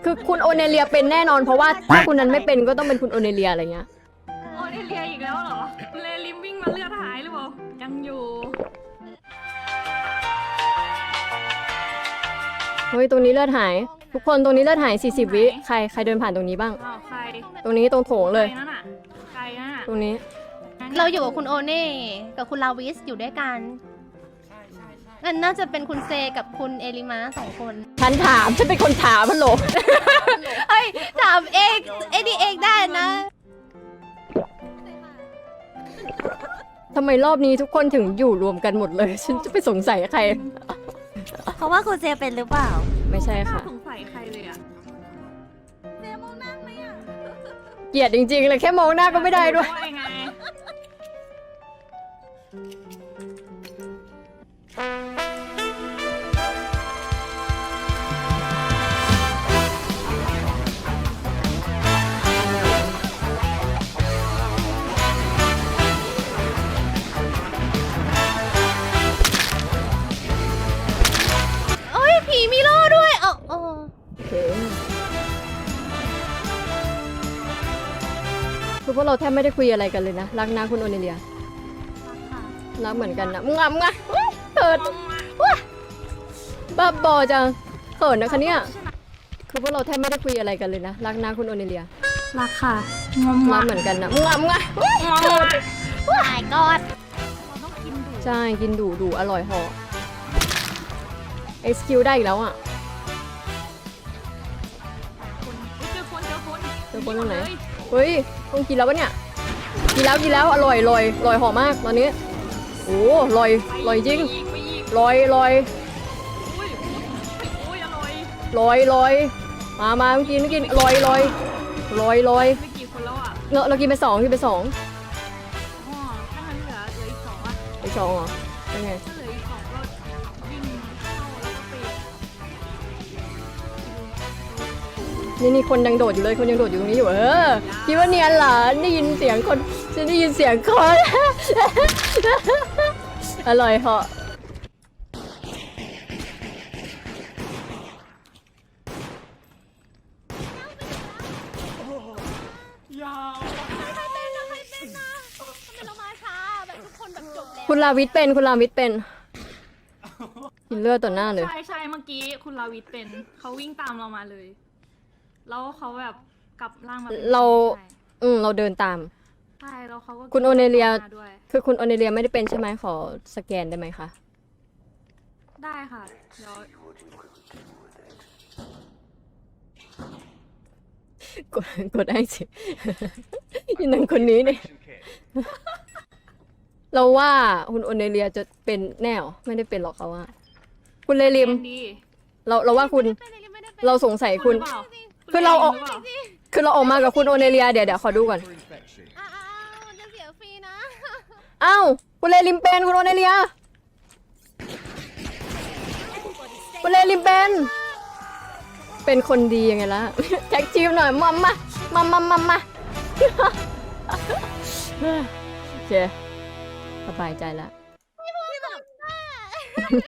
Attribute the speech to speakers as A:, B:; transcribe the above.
A: คือคุณโอเนเลียเป็นแน่นอนเพราะว่าถ้าคุณนั้นไม่เป็นก็ต้องเป็นคุณโอเนเลียอะไรเงี้ย
B: โอเนเลียอีกแล้วเหรอเลลิมวิ่งมาเลือดหายหรือเปล่ายังอยู่
A: เฮ้ยตรงนี้เลือดหายทุกคนตรงนี้เลือดหาย40วิใครเดินผ่านตรงนี้บ้าง
B: อ้าวใคร
A: ตรงนี้ตรงโถงเลย
B: ใครนั่นน่ะใครนั่นน่ะ
A: ตรงนี้
C: เราอยู่กับคุณโอเน่กับคุณลาวิสอยู่ด้วยกันนั่นน่าจะเป็นคุณเซกับคุณเอลิมา2 คน
A: ฉันถามฉันเป็นคนถามพันโหล
C: เฮ้ยถามเองไอ้นี่เองได้นะ
A: ทำไมรอบนี้ทุกคนถึงอยู่รวมกันหมดเลย ฉันจะไปสงสัยใคร
D: เพราะว่าคุณเจเป็นหรือเปล่า
A: ไม่ใช่ค่ะ
B: น่าสงสัยใครเลยอ่ะ
A: เกลียดจริงๆเลยแค่มองหน้าก็ไม่ได้ด้วย
B: ไง
C: โอ้ยผีมีโล่ด้วยอ๋อ
A: โอเคคือพวกเราแทบไม่ได้คุยอะไรกันเลยนะ รักนะคุณโอเนเลีย รักเหมือนกันนะมึงอ่ะอุ๊ยเขินว้าบ้าบอจังเขินนะคะเนี่ย คือพวกเราแทบไม่ได้คุยอะไรกันเลยนะ รักนะคุณโอเนเลีย
B: รักค่ะงอม
A: รักเหมือนกันนะมึงอ่ะอุ๊ย
B: งอม
C: ตายกอด
B: เราต้องกินดู
A: ใช่กินดูอร่อยเหอSQ ได้อีกแล้วอ่ะ
B: คนเจอคน
A: เจอคนตรงไหน
B: เลย
A: เฮ้ยต้องกินแล้วปะเนี่ยกินแล้วอร่อยหอมมากตอนนี้โอ้อร่อยจริง
B: ไปอีก
A: ลอย
B: อุ้ยอร่อย
A: มากินลอย
B: ไม่กี่คนแล้วอ่ะ
A: เรากินไปสอง
B: อ๋อถ้างั้นเหลืออีกสองอ่ะ
A: ไปสองเหรอเป็นไง
B: ถ้าเหลืออีกสองก็วิ่งเข้าแล้วก็ไป
A: นี่คนยังโดดอยู่เลยคนยังโดดอยู่ตรงนี้อยู่คิดว่าเนียนเหรอได้ยินเสียงคนฉันได้ยินเสียงคน อร่อยเหาะคุณลาวิทเป็นกินเลือดต่อหน้าเลย
B: ใช่เมื่อกี้คุณลาวิทเป็นเขาวิ่งตามเรามาเลยแล้วเขาแบบกลับร่างมาป็น
A: เรา
B: ใช่
A: เราเดินตาม
B: ใช่แล้วเขาก็
A: คุณโอเนเลีย
B: มาด้วย
A: คือคุณโอเนเลียไม่ได้เป็นใช่ไหมขอสแกนได้ไหมคะ
B: ได้ค่ะเดี๋ยว
A: กดได้สิ ยันนังคนนี้เนี่ย เราว่าคุณโอเนเลียจะเป็นแน่หรอไม่ได้เป็นหรอกเขาว่า คุณเลลิม
B: ดี
A: เราว่าคุณเราสงสัยคุณ
B: หรือเปล่า
A: คือเราออก
B: หปล่
A: คือเราออกมากับคุณโอเนเลียเดี๋ยวขอดูก่อน
C: อ้าวจะเสียฟรีนะ
A: อ้าวคุณเลลิมเป็นคุณโอเนเลียคุณเลลิมเป็นคนดียังไงล่ะ แท็กทีมหน่อยมาโอเคสบายใจแล้ว